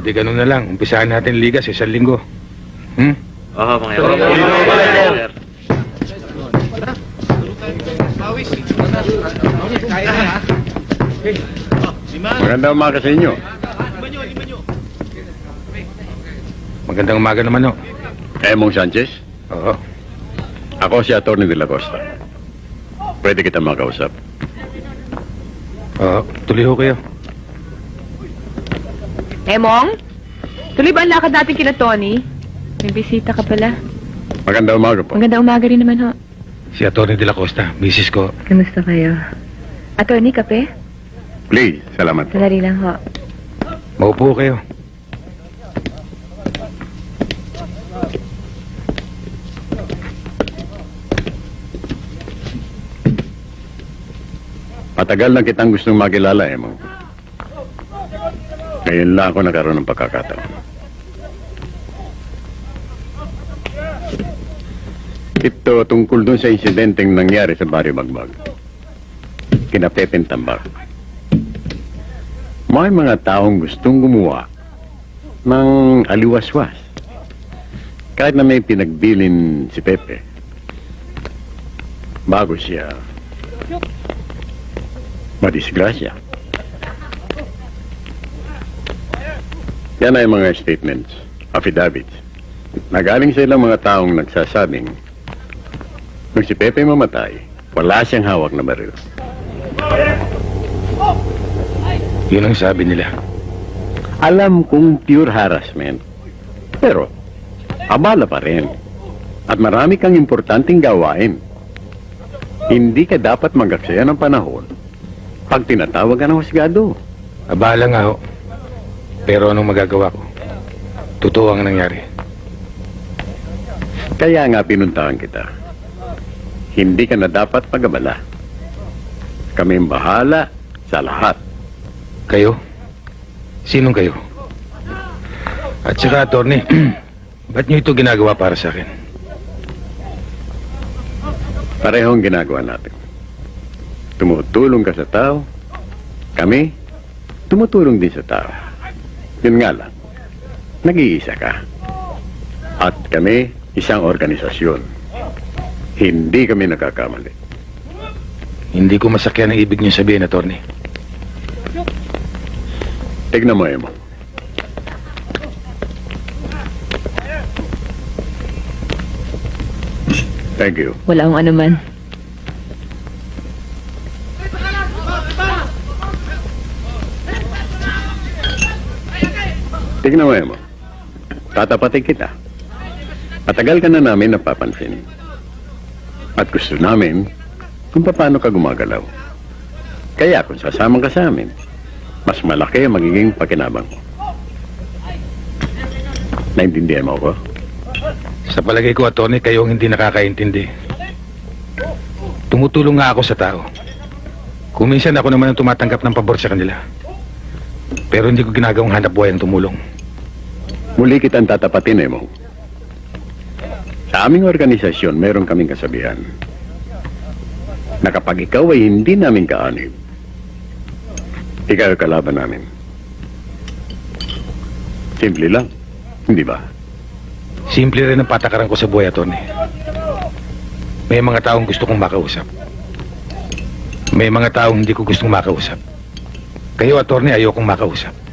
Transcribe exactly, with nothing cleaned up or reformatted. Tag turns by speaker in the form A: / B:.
A: di ganun na lang. Umpisahan natin liga sa isang linggo. Hmm?
B: Oo, mga sir.
C: Magandang umaga sa inyo.
A: Magandang umaga naman, ho.
C: Emong Sanchez,
A: Oo.
C: ako si Atty. De la Costa. Pwede kita makausap.
A: Oo, tuloy ho kayo.
D: Emong? Tuloy ba ang lakad natin kina Tony? May bisita ka pala.
C: Magandang umaga po.
D: Magandang umaga rin naman, ho.
A: Si Atty. De la Costa, misis ko.
D: Kamusta kayo? Attorney, kape?
C: Please, salamat po.
D: Salari lang, ho.
A: Maupo kayo.
C: Matagal na kitang gustong makilala, Emong. Ngayon lang ako nagkaroon ng pagkakataon. Ito tungkol dun sa insidenteng nangyari sa Barrio Magbag. Kina Pepeng Tambak. May mga taong gustong gumawa ng aliwaswas. Kahit na may pinagbilin si Pepe. Bago siya madisgrasya. Yan ay mga statements, affidavits, na galing sa ilang mga taong nagsasabing nung si Pepe mamatay, wala siyang hawak na baril.
A: Yun ang sabi nila.
C: Alam kong pure harassment, pero abala pa rin. At marami kang importanteng gawain. Hindi ka dapat magaksaya ng panahon pag tinatawag ka ng husgado.
A: Abala nga ho. Pero anong magagawa ko? Totoo ang nangyari.
C: Kaya nga pinuntahan kita. Hindi ka na dapat pag-abala. Kami ang bahala sa lahat.
A: Kayo? Sinong kayo? At saka, attorney, ba't niyo ito ginagawa para sa akin?
C: Parehong ginagawa natin. Tumutulong ka sa tao. Kami, tumutulong din sa tao. Yun nga lang, nag-iisa ka. At kami, isang organisasyon. Hindi kami nagkakamali.
A: Hindi ko masakyan ang ibig niyo sabihin, attorney.
C: Tignan mo, Emo. Thank you.
D: Wala akong anuman.
C: Tignan mo, Emo. Tatapatin kita. Matagal ka na namin napapansin. At gusto namin kung paano ka gumagalaw. Kaya kung sasama ka sa amin, mas malaki ang magiging pakinabang mo. Naintindihan mo ko?
A: Sa palagay ko, attorney, kayo ang hindi nakakaintindi. Tumutulong nga ako sa tao. Kung minsan ako naman ang tumatanggap ng pabor sa kanila. Pero hindi ko ginagawang hanap buhay ang tumulong.
C: Muli kitang tatapatin, Emo. Sa aming organisasyon, meron kaming kasabihan na kapag ikaw ay hindi namin kaanib, ikaw ay kalaban namin. Simple lang, hindi ba?
A: Simple rin ang patakaran ko sa buhay, attorney. May mga taong gusto kong makausap. May mga taong hindi ko gustong makausap. Kayo, attorney, ayokong makausap.